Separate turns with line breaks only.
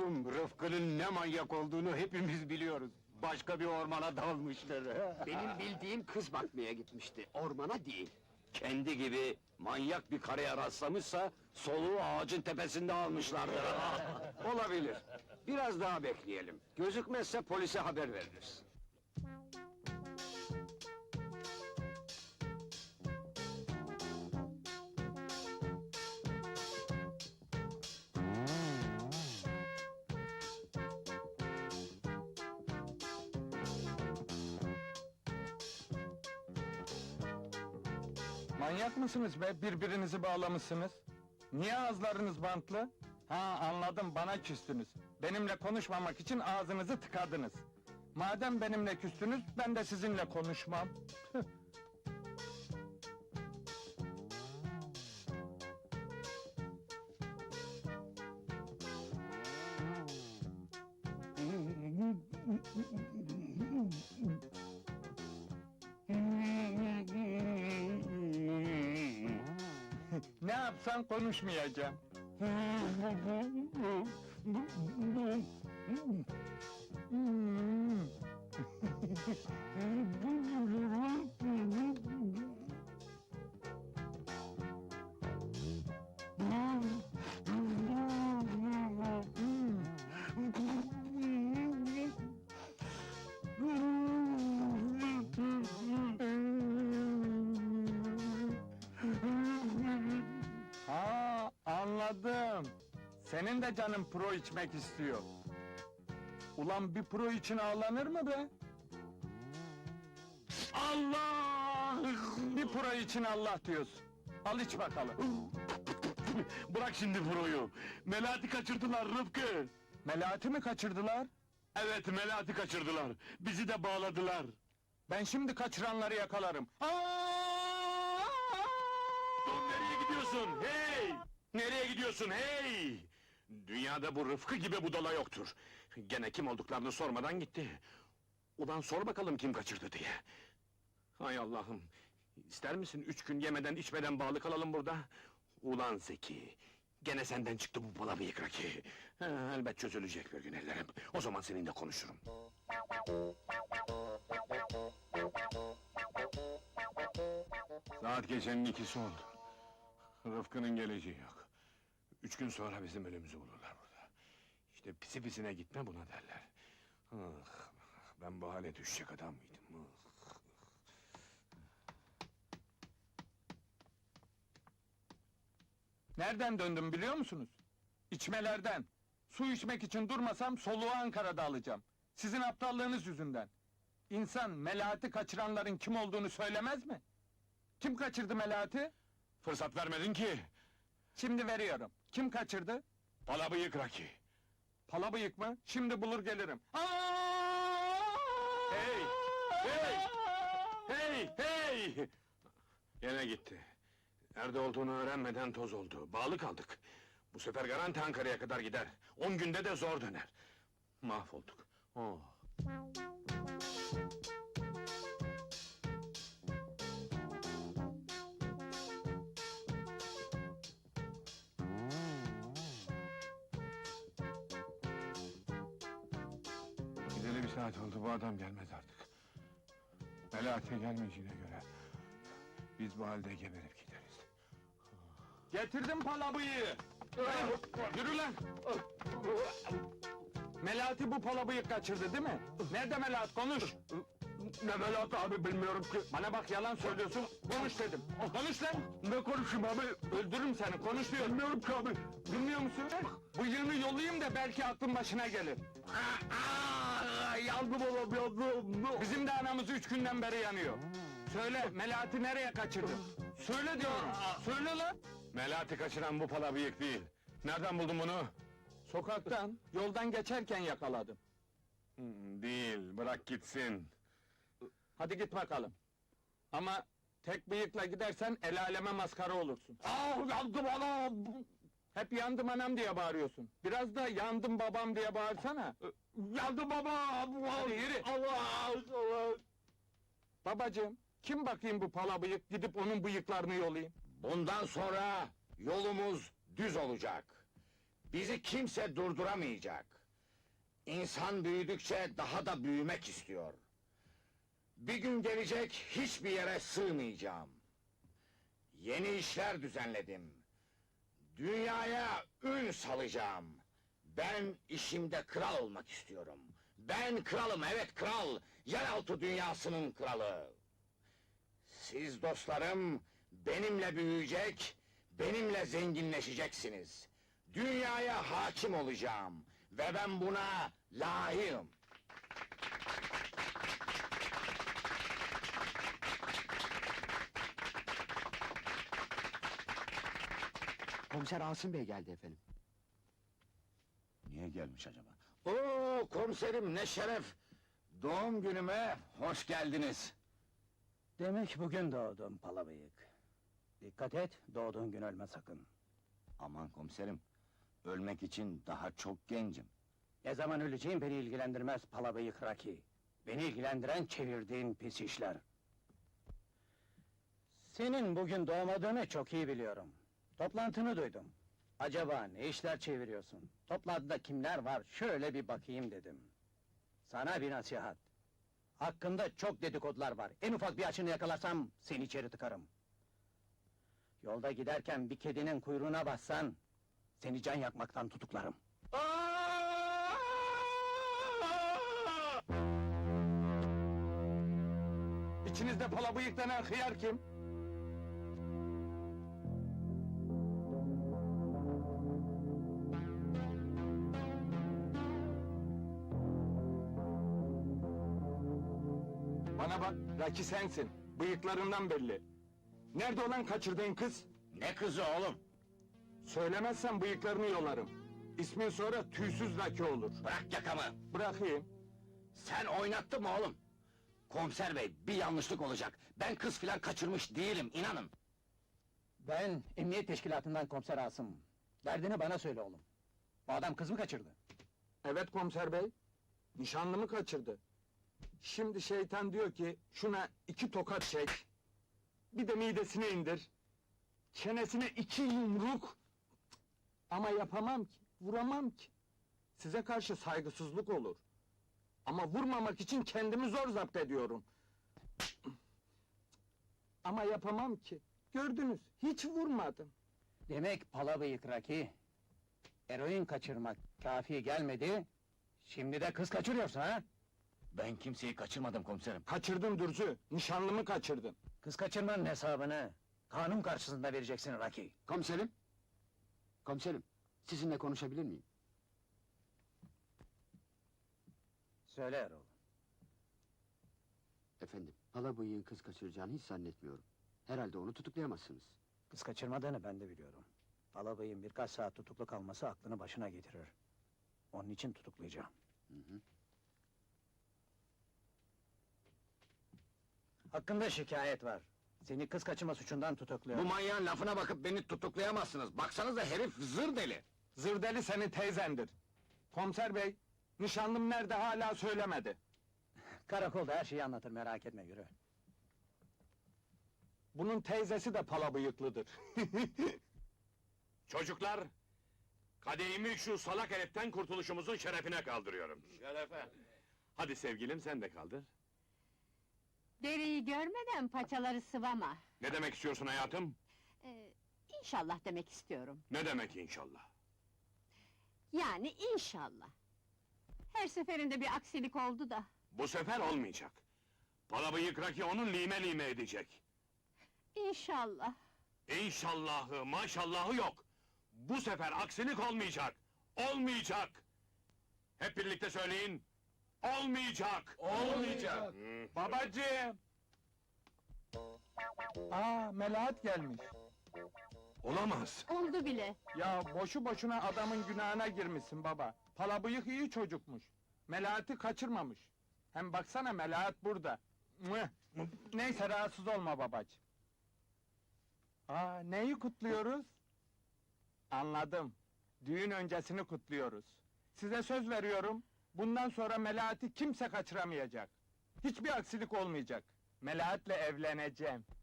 Oğlum, Rıfkı'nın ne manyak olduğunu hepimiz biliyoruz. Başka bir ormana dalmıştır.
Benim bildiğim kız bakmaya gitmişti, ormana değil.
Kendi gibi manyak bir karıya rastlamışsa, soluğu ağacın tepesinde almışlardır.
Olabilir. Biraz daha bekleyelim. Gözükmezse polise haber veririz.
Manyak mısınız be? Birbirinizi bağlamışsınız. Niye ağızlarınız bantlı? Ha, anladım, bana küstünüz. Benimle konuşmamak için ağzınızı tıkadınız. Madem benimle küstünüz, ben de sizinle konuşmam. Tüh. Ne yapsan konuşmayacağım. Ha, anladım. Senin de canın pro içmek istiyor. Ulan bir pro için ağlanır mı be? Allah! Bir pro için Allah diyorsun. Al iç bakalım.
Bırak şimdi Furu'yu! Melahat'i kaçırdılar Rıfkı!
Melahat'i mi kaçırdılar?
Evet, Melahat'i kaçırdılar! Bizi de bağladılar!
Ben şimdi kaçıranları yakalarım.
Dur, nereye gidiyorsun? Hey! Nereye gidiyorsun, hey! Dünyada bu Rıfkı gibi budala yoktur. Gene kim olduklarını sormadan gitti. Ulan sor bakalım kim kaçırdı diye. Hay Allah'ım! İster misin 3 gün yemeden içmeden bağlı kalalım burada? Ulan Zeki! Gene senden çıktı bu bala bıyık Raki! Elbet çözülecek bir gün ellerim. O zaman seninle konuşurum. Saat gecenin 2'si oldu. Rıfkı'nın geleceği yok. 3 gün sonra bizim ölümümüzü bulurlar burada. İşte pisi pisine gitme buna derler. Ah, ben bu hale düşecek adam mıydım? Ah.
Nereden döndüm biliyor musunuz? İçmelerden. Su içmek için durmasam soluğu Ankara'da alacağım. Sizin aptallığınız yüzünden. İnsan Melahat'i kaçıranların kim olduğunu söylemez mi? Kim kaçırdı Melahat'i?
Fırsat vermedin ki!
Şimdi veriyorum. Kim kaçırdı?
Bala bıyık Raki!
Pala bıyık mı? Şimdi bulur gelirim.
Hey! Hey! Hey! Hey! Gene gitti. Nerede olduğunu öğrenmeden toz oldu. Bağlı kaldık. Bu sefer garanti Ankara'ya kadar gider. 10 günde de zor döner. Mahvolduk. Oh! Gideli bir saat oldu, bu adam gelmez artık. Melahat'e gelmeyeceğine göre... ...biz bu halde geberip gideriz.
Getirdim pala bıyığı. Yürü lan! Melahat'i bu pala bıyık kaçırdı değil mi? Nerede Melahat, konuş!
Ne Melahat abi, bilmiyorum ki.
Bana bak, yalan söylüyorsun, konuş dedim! Konuş lan!
Ne konuşayım abi?
Öldürürüm seni, konuş diyorum!
Bilmiyorum ki abi.
Bilmiyor musun? Bıyığını yollayayım da belki aklın başına gelir!
Yandım oğlum, yandım.
Bizim de anamız 3 günden beri yanıyor! Söyle, Melahat'i nereye kaçırdın? Söyle diyorum! Söyle lan!
Melahat'i kaçıran bu pala bıyık değil. Nereden buldun bunu?
Sokaktan, yoldan geçerken yakaladım.
Değil, bırak gitsin.
Hadi git bakalım! Ama tek bıyıkla gidersen el aleme maskara olursun!
Yandım anam!
Hep yandım anam diye bağırıyorsun! Biraz da yandım babam diye bağırsana!
Yandım babam!
Hadi yürü!
Allah!
Babacığım, kim bakayım bu pala bıyık, gidip onun bıyıklarını yolayım?
Bundan sonra yolumuz düz olacak.
Bizi kimse durduramayacak. İnsan büyüdükçe daha da büyümek istiyor. Bir gün gelecek, hiçbir yere sığmayacağım. Yeni işler düzenledim. Dünyaya ün salacağım. Ben işimde kral olmak istiyorum. Ben kralım, evet kral! Yeraltı dünyasının kralı! Siz dostlarım, benimle büyüyecek, benimle zenginleşeceksiniz. Dünyaya hakim olacağım ve ben buna layığım.
Komiser Asım Bey geldi efendim.
Niye gelmiş acaba? Oo komiserim ne şeref! Doğum günüme hoş geldiniz.
Demek bugün doğdun palabıyık. Dikkat et, doğduğun gün ölme sakın.
Aman komiserim, ölmek için daha çok gencim.
Ne zaman öleceğin beni ilgilendirmez palabıyık Raki. Beni ilgilendiren çevirdiğin pis işler. Senin bugün doğmadığını çok iyi biliyorum. Toplantını duydum. Acaba ne işler çeviriyorsun? Toplantıda kimler var, şöyle bir bakayım dedim. Sana bir nasihat. Hakkında çok dedikodular var. En ufak bir açını yakalarsam seni içeri tıkarım. Yolda giderken bir kedinin kuyruğuna bassan seni can yakmaktan tutuklarım.
İçinizde pala bıyık denen hıyar kim? Bana bak, Raki sensin. Bıyıklarından belli. Nerede olan kaçırdığın kız?
Ne kızı oğlum?
Söylemezsen bıyıklarını yolarım. İsmin sonra tüysüz Raki olur.
Bırak yakamı!
Bırakayım.
Sen oynattın mı oğlum? Komiser bey, bir yanlışlık olacak. Ben kız filan kaçırmış değilim, inanın.
Ben emniyet teşkilatından komiser Asım. Derdini bana söyle oğlum. Bu adam kız mı kaçırdı?
Evet komiser bey. Nişanlımı kaçırdı. Şimdi şeytan diyor ki, şuna 2 tokat çek. Bir de midesine indir. Çenesine 2 yumruk. Ama yapamam ki, vuramam ki. Size karşı saygısızlık olur. Ama vurmamak için kendimi zor zapt ediyorum. Ama yapamam ki. Gördünüz, hiç vurmadım.
Demek palabıyık Raki. Eroin kaçırmak kafi gelmedi. Şimdi de kız kaçırıyorsun ha?
Ben kimseyi kaçırmadım komiserim.
Kaçırdın Dürzü, nişanlımı kaçırdın.
Kız kaçırmanın hesabını kanun karşısında vereceksin Raki.
Komiserim? Komiserim, sizinle konuşabilir miyim?
Söyle Erol.
Efendim, Palabıyık'ın kız kaçıracağını hiç zannetmiyorum. Herhalde onu tutuklayamazsınız.
Kız kaçırmadığını ben de biliyorum. Palabıyık'ın birkaç saat tutuklu kalması aklını başına getirir. Onun için tutuklayacağım. Hakkında şikayet var. Seni kız kaçırma suçundan tutukluyor.
Bu manyağın lafına bakıp beni tutuklayamazsınız. Baksanıza herif zır deli.
Zırdeli senin teyzendir. Komiser bey, nişanlım nerede hala söylemedi.
Karakolda her şeyi anlatır, merak etme, yürü.
Bunun teyzesi de pala bıyıklıdır.
Çocuklar, kadehimi şu salak heriften kurtuluşumuzun şerefine kaldırıyorum. Şerefe! Hadi sevgilim, sen de kaldır.
Deriyi görmeden paçaları sıvama.
Ne demek istiyorsun hayatım?
İnşallah demek istiyorum.
Ne demek inşallah?
Yani inşallah. Her seferinde bir aksilik oldu da.
Bu sefer olmayacak. Palabıyık Raki onun lime lime edecek.
İnşallah.
İnşallahı, maşallahı yok. Bu sefer aksilik olmayacak. Olmayacak! Hep birlikte söyleyin. Olmayacak!
Olmayacak!
Babacığım! Aa, Melahat gelmiş.
Olamaz!
Oldu bile.
Ya boşu boşuna adamın günahına girmişsin baba. Pala bıyık iyi çocukmuş. Melahat'i kaçırmamış. Hem baksana Melahat burada. Mıh! Neyse rahatsız olma babacığım. Aa, neyi kutluyoruz? Anladım. Düğün öncesini kutluyoruz. Size söz veriyorum, bundan sonra Melahat'i kimse kaçıramayacak. Hiçbir aksilik olmayacak. Melahat'le evleneceğim.